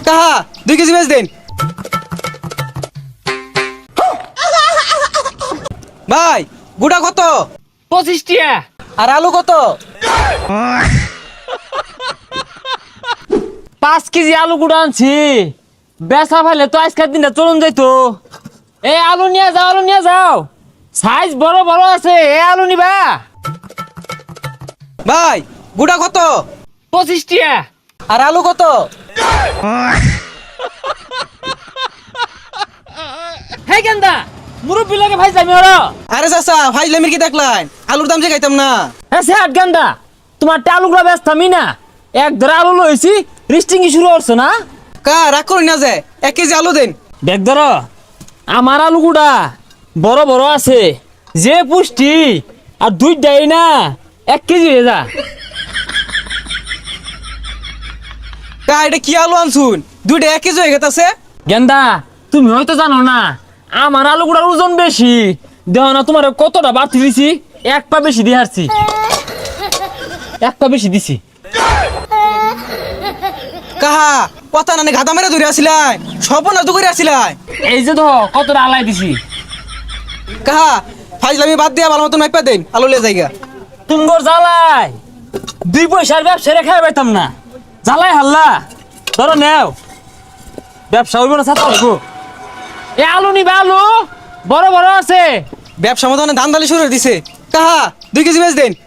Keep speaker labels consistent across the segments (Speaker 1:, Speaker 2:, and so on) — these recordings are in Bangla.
Speaker 1: কাহা 2 কেজি বেচ দেন ভাই গুড়া কত
Speaker 2: 25 টিয়া।
Speaker 1: আর আলু কত
Speaker 2: 5 কেজি আলু গুঁড়া আনছি, বেচা ফেলে তো আজকের দিনটা চলুন যাইতো। এই আলু নিয়ে যাও, আলু নিয়ে যাও, সাইজ বড় বড় আছে। এই আলু নিবা?
Speaker 1: ভাই গুড়া কত
Speaker 2: 25 টিয়া।
Speaker 1: আর আলু কত
Speaker 2: হে গেন্দা, মুরব্বি লাগে ভাই যামি ওরা।
Speaker 1: আরে চাচা ফাইজলামির কি দেখলেন আলুর দাম যে খাইতাম না
Speaker 2: হ্যাঁ সে আট গেন্দা, তোমার আলুগুলা ব্যস্তামি না, এক ধরে আলু লইছি, রিস্টিং শুরু করছো না?
Speaker 1: কা রাগ করি না যে 1 কেজি আলু দেন
Speaker 2: দেখ ধর, আমার আলুগুড়া বড় বড় আছে, যে পুষ্টি, আর দুইটাই না 1 কেজি হয়ে যা।
Speaker 1: কা এটা কি আলু আনছুন 2টা 1 কেজি হয়ে গেছে
Speaker 2: গেন্দা, তুমি হয়তো জানো না, আমার আলুগুড়ার ওজন বেশি, দেহ না তোমার কতটা বাড়তি দিছি, 1 পা বেশি দিয়ে হারছি, 1 পা বেশি দিছি।
Speaker 1: কাহা কথা নানি ঘাতা মেরে ধরে আসিলাই সপনা তো করে আসিলাই
Speaker 2: এই যে তো কতটা আলাই দিছি।
Speaker 1: কাহা ফাইজলামি বাদ দিয়া ভালো মতন মাইপা দেন আলু লে জায়গা
Speaker 2: তুমগর জ্বালাই 2 পয়সার ব্যবসা রেখে পাইতাম না, জ্বালাই হাল্লা ধরো নেও, ব্যবসা হইব না ছাতা হইব। এ আলু নিবা, আলু বড় বড় আছে।
Speaker 1: ব্যবসা মতন ধান দালি শুরু করে দিছে কাহা 2 কেজি বেচ দেন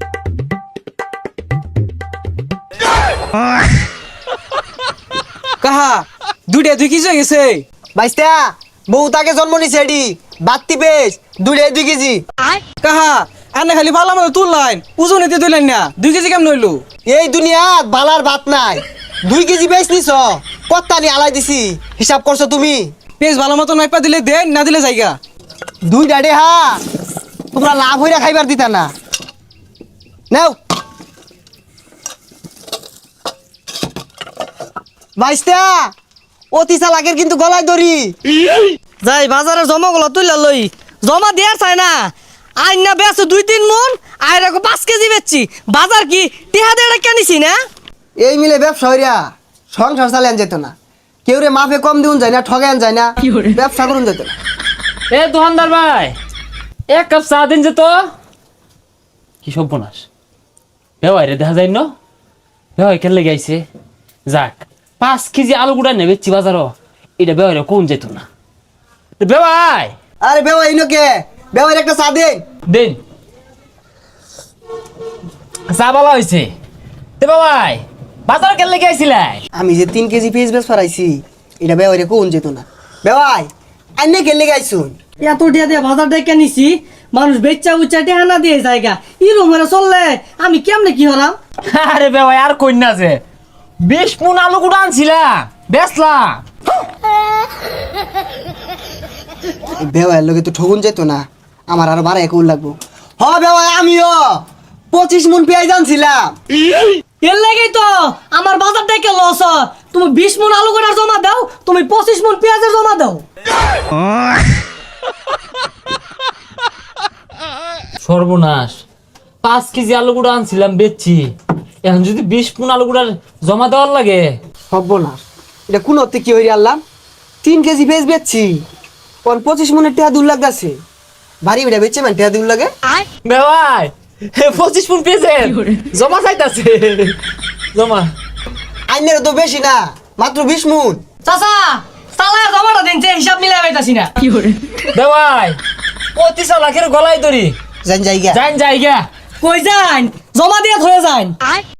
Speaker 1: কাহা 2টা 2 কেজি হয়ে গেছে
Speaker 3: বাইস্তা বউ তাকে জন্ম নিছে এডি বাত্তি পেস 2 কেজি।
Speaker 1: কাহা আনে খালি ভালো মতো তুললাইন ওজন এতে তুললেন না 2 কেজি কেমন হইলো
Speaker 3: এই দুনিয়াত বালার ভাত নাই, 2 কেজি বেচ নিছ, কত্তা নি আলাই দিছি, হিসাব করছো তুমি?
Speaker 1: পেজ ভালো মতন মাইপা দিলে দেন না দিলে জায়গা
Speaker 3: 2 ডাডে হা তোমরা লাভ হইরা খাইবার দিতা না। নাও বাইস্তা অতি চালাকের কিন্তু গলায় দড়ি।
Speaker 4: যাই বাজারে জমা গুলো তুইলা লই, জমা দেয়ার চাই না, আইন না বেচো 2-3 মন, আর 5 কেজি বেচছি, বাজার কি টিহা দেড় কেনিছি না?
Speaker 3: এই মিলে ব্যবসা হইরা সংসার চালান যেত না, কেউ রে মাফে কম দিউন যায় না, ঠগান যায় না, ব্যবসা করুন যেত না।
Speaker 2: এ দোকানদার ভাই, 1 কাপ চা দিন যে তো। কি সর্বনাশ, বেওয়াই রে দেখা যায় ন, বেওয়াই কেন লেগে আইছে। যাক 5 কেজি আলু গুড়া নেবেছি বাজারও, এটা বেওয়াই রে কোন যেত না। বেওয়াই
Speaker 3: আরে বেওয়া ইনোকে বেওয়ার একটা চা দে।
Speaker 2: দিন চা বলা হয়েছে। তে বেওয়াই বাজার কেন লেগে আইছিলাই?
Speaker 3: আমি যে 3 কেজি পেঁয়াজ বেচ পারাইছি, এটা বেওয়ারে কোন যেত না। বেওয়াই আইনে গেলে গাইছুন
Speaker 4: এত টিহা দিয়ে বাজার দিয়ে কেনিছি, মানুষ বেচা উচ্চা টিহা না দিয়ে জায়গা ইরম হয়ে চললে আমি কেমনে কি হলাম?
Speaker 2: আরে বেওয়াই আর কইনা যে 20 মণ আলু গুড়া আনছিলাম, বেচলাম।
Speaker 3: বেওয়ার লোকে তো ঠগুন যেত না, আমার আরো বাড়া একুল লাগবো। হ বেওয়াই আমিও 25 মণ পেঁয়াজ আনছিলাম।
Speaker 4: এর লাগেই তো আমার বাজার থেকে লস হয়। তুমি 20 মন আলু গোটার জমা দাও, তুমি 25 মন পেঁয়াজের জমা দাও।
Speaker 2: সর্বনাশ, 5 কেজি আলু গুঁড়া আনছিলাম বেচছি, এখন যদি 20 মণ আলু গুঁড়ার জমা দেওয়ার লাগে।
Speaker 3: সর্বনাশ, এটা কোন অর্থে কি হইরে আনলাম? 3 কেজি পেঁয়াজ বেচছি, কোন 25 মণের টেহা দূর লাগতেছে, ভারী বেটা বেচছে মানে টেহা দূর লাগে।
Speaker 2: বেওয়াই 25 মণ পেয়েছে, জমা চাইতাছে, জমা।
Speaker 3: আইনের তো বেশি না, মাত্র 20 মণ।
Speaker 4: চাচা চালায় জমাটা দিন, যে হিসাব মিলাই পাইতাছি না।
Speaker 2: বেওয়াই 25 লাখের গলায় দড়ি,
Speaker 3: জান জায়গা
Speaker 2: যাইন জায়গা।
Speaker 4: কই যান, জমা দিয়ে ধরে যান।